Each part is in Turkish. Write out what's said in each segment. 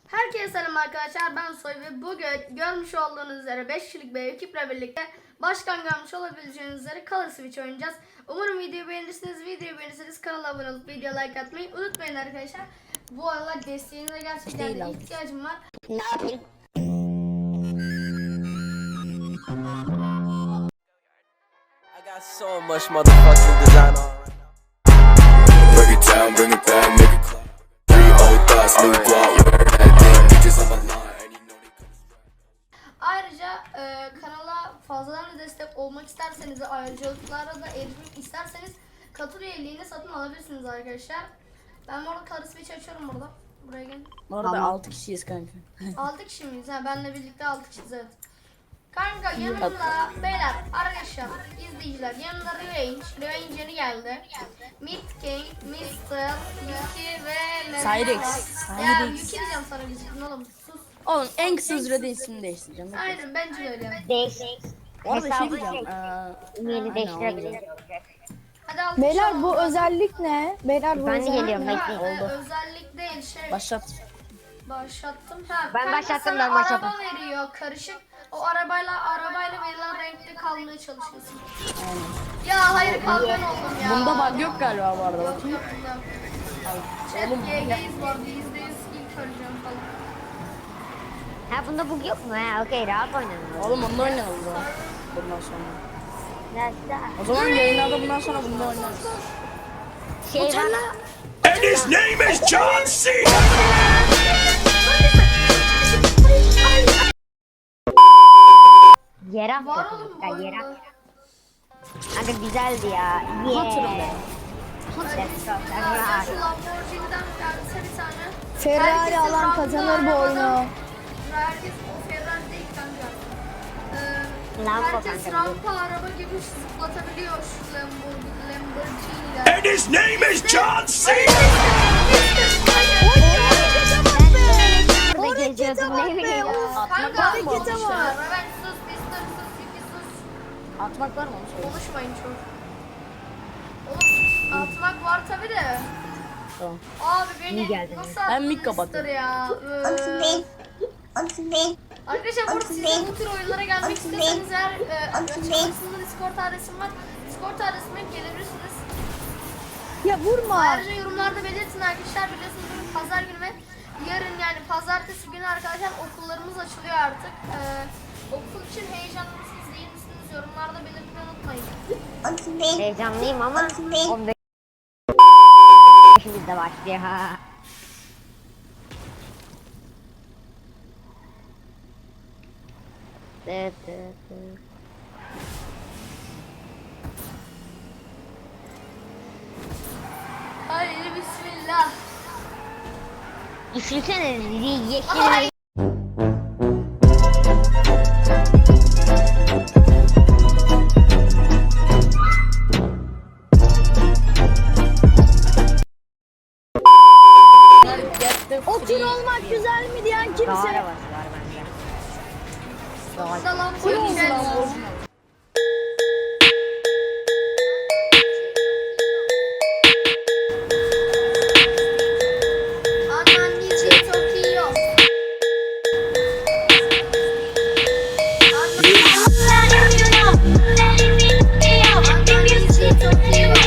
Herkese selam arkadaşlar, ben Soy ve bugün görmüş olduğunuz üzere 5 kişilik bir ekiple birlikte başkan görmüş olabileceğiniz üzere Color Switch oynayacağız. Umarım videoyu beğenirsiniz. Videoyu beğenirseniz kanala abone olup video like atmayı unutmayın arkadaşlar. Bu aralar desteğinize gerçekten de ihtiyacım var. Ne yapayım? I got so much motherfucking design on right now. Break it down, bring it back, make it clap. Three old thoughts, new guap, that thing, bitches on my line, and you know they come straight. Ayrıca kanala fazladan destek olmak isterseniz ve ayrıcalıklara da erişmek isterseniz katıl üyeliğini satın alabilirsiniz arkadaşlar. Ben bu arada Color Switch açıyorum burada. Buraya gelin. Orada 6 kişiyiz kanka. 6 kişi miyiz? Ha, benle birlikte 6 kişiyiz, evet. Kanka yanımda beyler, arkadaşlar, izleyiciler, yanımda Revenge yeni geldi. Mid King, Mr. Yuki ve Cyrex. Ya Yuki diyeceğim sana, bizim oğlum sus. Oğlum en kısa sürede ismini değiştireceğim. Aynen, bence de öyle. Orada şey diyeceğim. Yeni değiştirebiliriz. Hadi al. Beyler bu özellik ne? Beyler bu Ben de özellik geliyorum, ne? bekleyin. Özellik değil şey. Başlat. Başlattım. Ha, Ben kanka başlattım, sana ben başlattım. Araba veriyor karışık. O arabayla verilen renkte kalmaya çalışıyorsun. Ya hayır, kalkan oldum ya. Bunda bug yok galiba bu arada. Yok yok bunda. Chat GG'yiz vardı, %100 ilk öleceğim falan. Ha bunda bug yok mu? Ha okey, rahat oynanır. Oğlum onunla oynayalım o zaman. Bundan sonra. Nasıl? O zaman yayınlarda bundan sonra bunda oynarız. Şey var. And his name is John C. Yere Var attık. oğlum bu Ha, yere arada. attık. Kanka güzeldi ya. Hatırım Yeah. Hadi bismillah. Şu Lamborghini'den gelse bir tane. Ferrari Herkesin alan randı kazanır bu oyunu. arabadan- Herkes o Ferrari değil kanka. Lambo Herkes kanka. rampa araba gibi zıplatabiliyor şu Lamborghini'ler. And his name is John C. Burada geziyordum ne bileyim. Kanka Harekete harekete bak. var. Evet sus, bir sus, iki sus. Atmak var mı onu söyle. Konuşmayın çok. Oğlum atmak var tabi de. Tamam. Abi İyi beni geldin nasıl ya. Ben mic attın kapattım. Mister ya? Arkadaşlar burada siz de bu tür oyunlara gelmek istiyorsanız eğer açıklamasında Discord adresim var. Discord adresime gelebilirsiniz. Ya vurma. Ayrıca yorumlarda belirtin arkadaşlar, biliyorsunuz bugün pazar günü ve yarın yani pazartesi günü arkadaşlar okullarımız açılıyor artık. Okul için heyecanlı mısınız değil misiniz? Yorumlarda belirtmeyi unutmayın. Heyecanlıyım ama 15 bizde başlıyor. Evet, evet, evet. Haydi bismillah. Düşünsene yeşil. Ay. O tür olmak güzel mi diyen Dağ kimse? arabası var bende. Sonunda Lamborghini geldi. Anneciğim çok iyi yok. Anneciğim çok iyi yok.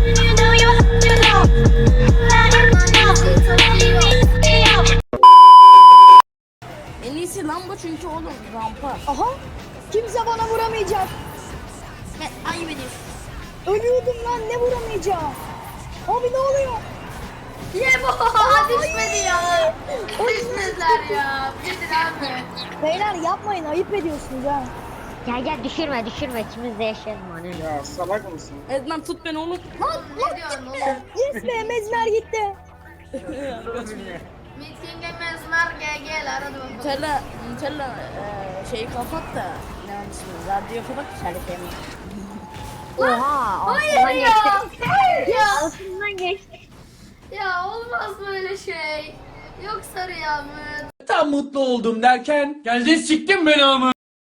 En iyisi Lambo çünkü oğlum rampa. Aha. Kimse bana vuramayacak. Ayıp ediyorsun. Ölüyordum lan, ne vuramayacağım? Abi ne oluyor? Ye bu düşmedi ya. Düşmediler ya. Gidin abi. Beyler yapmayın, ayıp ediyorsunuz ha. Gel düşürme ikimiz de yaşayalım hani. Ednan tut beni oğlum. Ne diyorsun oğlum? Yes be, Mezmer gitti. Meeting'e mezmer gel hadi bakalım. Nutella şeyi kapat da ne onun ismi? Radyo kapat şarkıyı. Oha Hayır altından ya. geçti. Hayır ya. Altından geçti. Ya olmaz böyle şey. Yok sarı yağmur. Tam mutlu oldum derken geldin siktin beni ama.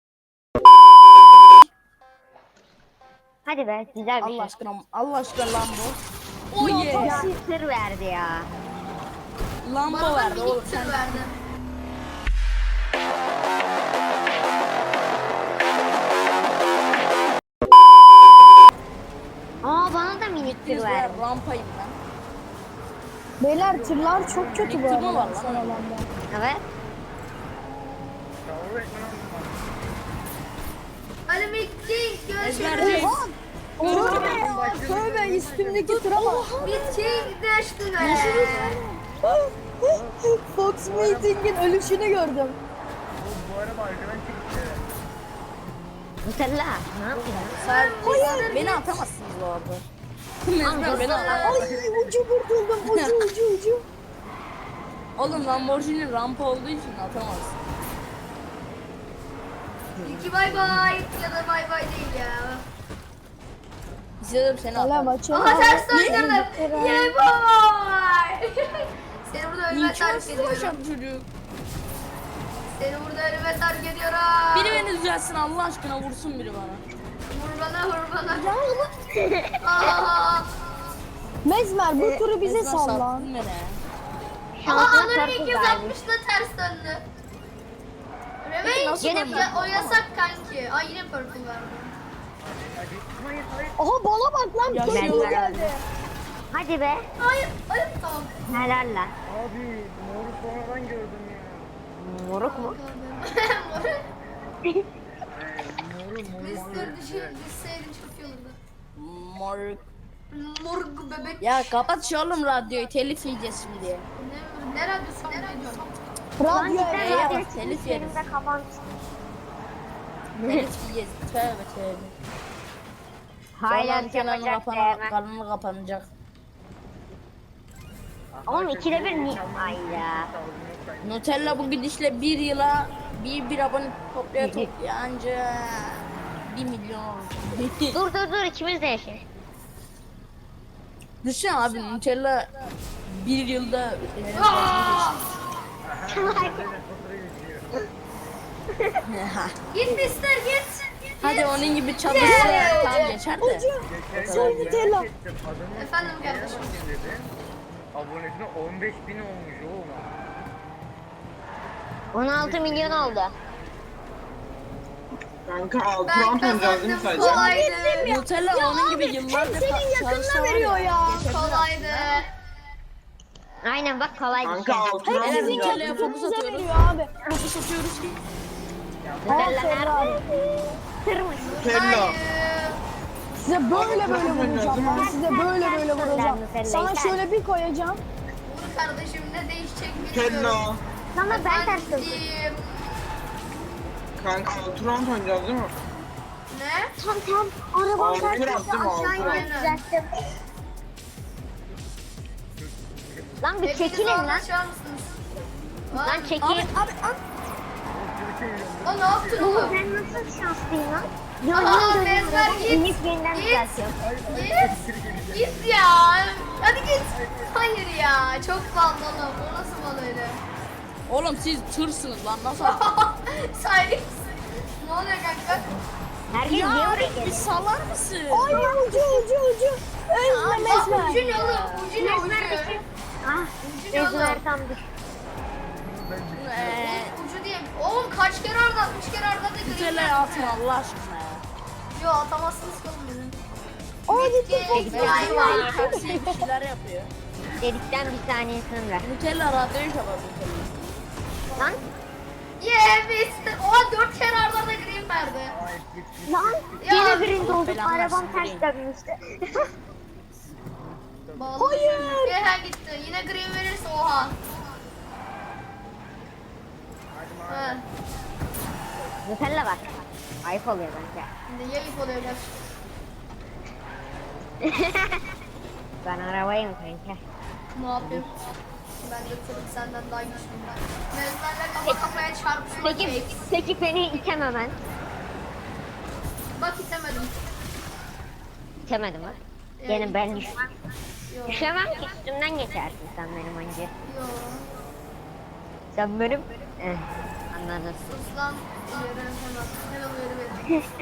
Hadi be güzel bir Allah şey. aşkına Allah aşkına Lambo. Ya sır verdi ya. Lambo Bana verdi minik oğlum tır sen. verdi. gittiniz ben rampayım ben. Beyler tırlar çok kötü bu Tır mı arada. var lan? son alanda. Evet. Ali Meking görüşürüz. Ezberci. Tövbe ya tövbe üstümdeki tıra bak. Meking düştü be. Fox Meeting'in ölüşünü gördüm. Nutella. Ne yapıyorsun? Sadece beni atamazsınız bu arada. Mezmer beni atamaz. Ay ucu kurtuldum ucu. Oğlum Lamborghini rampa olduğu için atamazsın. İki bay bay ya da bay bay değil ya. İstedim seni Hala atamaz. maçı. Aha ters döndürdüm. Yeah boy. Seni burada ölüme terk İmkansız ediyorum. başarı çocuk. Seni burada ölüme terk ediyorum. Biri beni düzelsin Allah aşkına vursun biri bana. Vur bana vur bana. Aa. Mezmer bu turu bize Mezmer salla. sattın beni. Aha Şansına Anır'ın çarpı 260'da ters döndü. Revenge Nasıl yine döndü? o yasak kanki. Ay yine purple verdi. Aha bana bak lan Ya pırpır Mezmer geldi. Hadi be. Hayır, hayır tamam. Helal lan. Abi moru sonradan gördüm ya. Moruk mu? Mr. Düşseydin çok iyi olurdu. Moruk. Morg bebek. Ya kapat şu oğlum radyoyu telif yiyeceğiz şimdi. Ne radyosu? Ne radyosu? Lan Radyo cidden evet. ya, radyo telif elimde yeriz. kapan. Telif yiyeceğiz. Tövbe tövbe. Hala Sonra kanalı yapacak kanalı kapanacak. Oğlum ikide bir ni... Ay ya. Nutella bu gidişle bir yıla bir abone toplaya anca 1 milyon olur. Dur ikimiz de yaşayın. Düşünsene abi Nutella bir yılda Git Mr. git. hadi onun gibi çalışsa tam geçer de. Soy Nutella. Efendim kardeşim. Abonesine 15.000 olmuş oğlum. 16 milyon oldu. Kanka altı Ben round oynayacağız değil mi kazandım sadece? kolaydı. Nutella onun gibi Hem yıllardır senin yakınına veriyor ya. Kolaydı. Aynen bak kolay bir Kanka şey. altı Hem round sizin Nutella'ya oynayacağız. fokus yakınınıza atıyoruz. veriyor abi. Fokus atıyoruz ki. Nutella Ferrari. nerede? Tırmış. Nutella. Hayır. Size böyle vuracağım ben size böyle vuracağım. Sana şöyle bir koyacağım. Vur kardeşim ne değişecek bilmiyorum. Nutella. Sana ben ters döndüm. Efendim. Kanka altı round oynayacağız değil mi? Ne? Tam arabam Altı ters döndü yaptım, altı. aşağı inip Aynen. düzelttim. Lan bir Hepiniz çekilin lan. anlaşar mısınız? Lan çekil. O ne yaptın oğlum? Ben nasıl şanslıyım lan? Aha, Yemin ederim Mezmer arabam git. inip yeniden Git. düzeltiyorum. Git. Git ya. Hadi git. Hayır ya. Çok bal oğlum. O nasıl bal öyle? Oğlum siz tırsınız lan nasıl? Silence. Ne oluyor kanka? Herkes niye oraya Ya bir geliyor? salar mısın? Ay ucu. Özle Bak Mezmer. ucu ne oğlum? Ucu ne ucu? Ah, Ucu ne oğlum? Mezmer tam düştü. Ucu diye. Oğlum kaç kere arda? 3 kere arda da green Nutella'ya atma Allah aşkına ya. Yo atamazsınız ki oğlum beni. Aa gitti Fox. Gitti. Ay vay. Taksiye bir şeyler yapıyor. Dedikten bir tanesini ver. Nutella radyoyu kapat Nutella. Lan Yeah Mr. Oha 4 kere arda da green verdi. lan Ya, yine birinci olduk. belanı Arabam versin, ters dönmüştü. Hayır. Ehe gitti. Yine green verirse oha. Ha. Nutella bak. Ayıp oluyor bence. Şimdi yayıp oluyorlar. Ben arabayım kanka. Ne yapayım? Ben de tabii senden daha güçlüyüm ben. Mezlerle kafa kafaya çarpışma Peki, peki beni itemem. Bak itemedim. İtemedim mi? Yani Yine ben düşmem. Yo. Düşemem ki üstümden geçersin sen benim önce. Yo. Sen benim... anladın. Sus lan. Uyarı hemen. Hemen uyarı verin.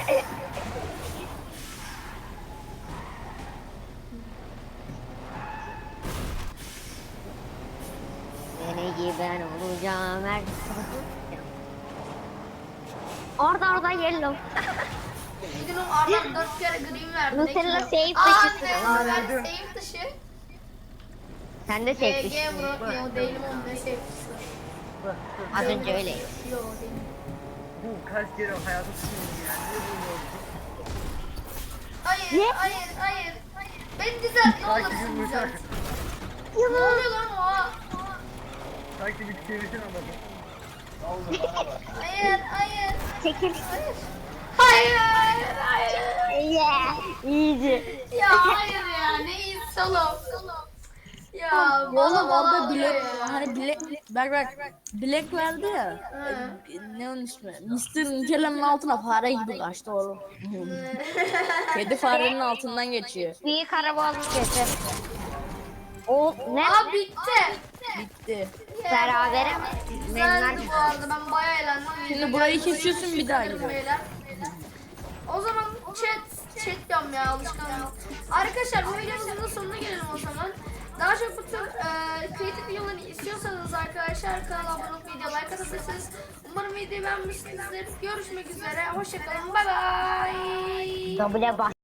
Seni ben olacağım her... Orada yellow. Bir gün o Arda 4 kere green verdi. Nutella safe Aa dışısın. ne verdi? Safe dışı. Sen de safe GG dışısın. bro. Yo değilim oğlum ne safe dışı. Az önce öyleydi. Yo değilim. Bu kaç kere hayatı sıkıntı yani. Ne bu oldu? Hayır, hayır, hayır. Beni düzelt ne olursun düzelt. Ne oluyor lan o? Sanki bir çevirsin adamı. Hayır, hayır. Çekil. Hayır, hayır. Yeah. Easy. Ya hayır ya ne iyisi oğlum. Ya Oğlum bana orada oluyor bilek, ya. hani bilek, bak bilek verdi ya. Ne onun ismi? Mr. Nutella'nın altına fare gibi kaçtı oğlum. Kedi farenin altından geçiyor. Büyük araba olmuş getir. O ne? Aa bitti. Bitti. Berabere mi? Güzeldi bu arada ben bayağı eğlendim. Şimdi burayı kesiyorsun bir daha gidiyor. Beyler. O zaman chat diyorum ya alışkanlık. Arkadaşlar bu videomuzun da sonuna gelelim o zaman. Daha çok bu tür kreatif videoları istiyorsanız arkadaşlar kanala abone olup video like atabilirsiniz. Umarım videoyu beğenmişsinizdir. Görüşmek üzere. Hoşçakalın. Bye bye. Double bas.